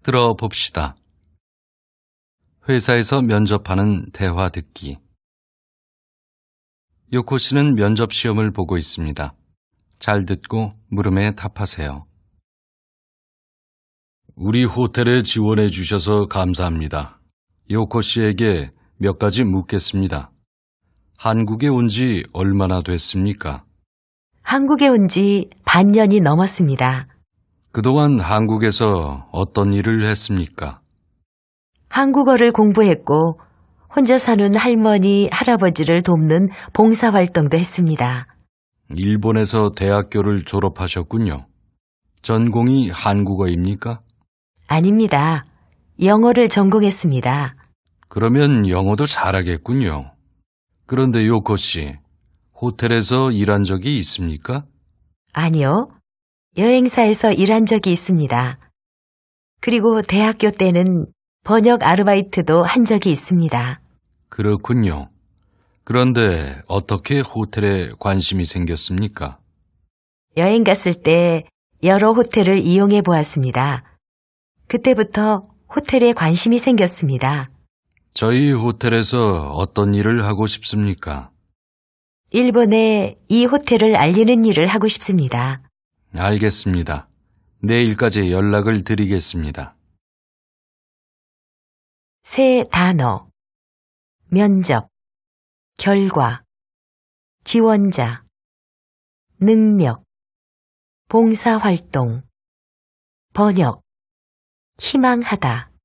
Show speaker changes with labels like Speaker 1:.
Speaker 1: 들어봅시다. 회사에서 면접하는 대화 듣기. 요코 씨는 면접 시험을 보고 있습니다. 잘 듣고 물음에 답하세요. 우리 호텔에 지원해 주셔서 감사합니다. 요코 씨에게 몇 가지 묻겠습니다. 한국에 온 지 얼마나 됐습니까?
Speaker 2: 한국에 온 지 반년이 넘었습니다.
Speaker 1: 그동안 한국에서 어떤 일을 했습니까?
Speaker 2: 한국어를 공부했고 혼자 사는 할머니, 할아버지를 돕는 봉사활동도 했습니다.
Speaker 1: 일본에서 대학교를 졸업하셨군요. 전공이 한국어입니까?
Speaker 2: 아닙니다. 영어를 전공했습니다.
Speaker 1: 그러면 영어도 잘하겠군요. 그런데 요코 씨, 호텔에서 일한 적이 있습니까?
Speaker 2: 아니요. 여행사에서 일한 적이 있습니다. 그리고 대학교 때는 번역 아르바이트도 한 적이 있습니다.
Speaker 1: 그렇군요. 그런데 어떻게 호텔에 관심이 생겼습니까?
Speaker 2: 여행 갔을 때 여러 호텔을 이용해 보았습니다. 그때부터 호텔에 관심이 생겼습니다.
Speaker 1: 저희 호텔에서 어떤 일을 하고 싶습니까?
Speaker 2: 일본에 이 호텔을 알리는 일을 하고 싶습니다.
Speaker 1: 알겠습니다. 내일까지 연락을 드리겠습니다.
Speaker 2: 새 단어, 면접, 결과, 지원자, 능력, 봉사활동, 번역, 희망하다.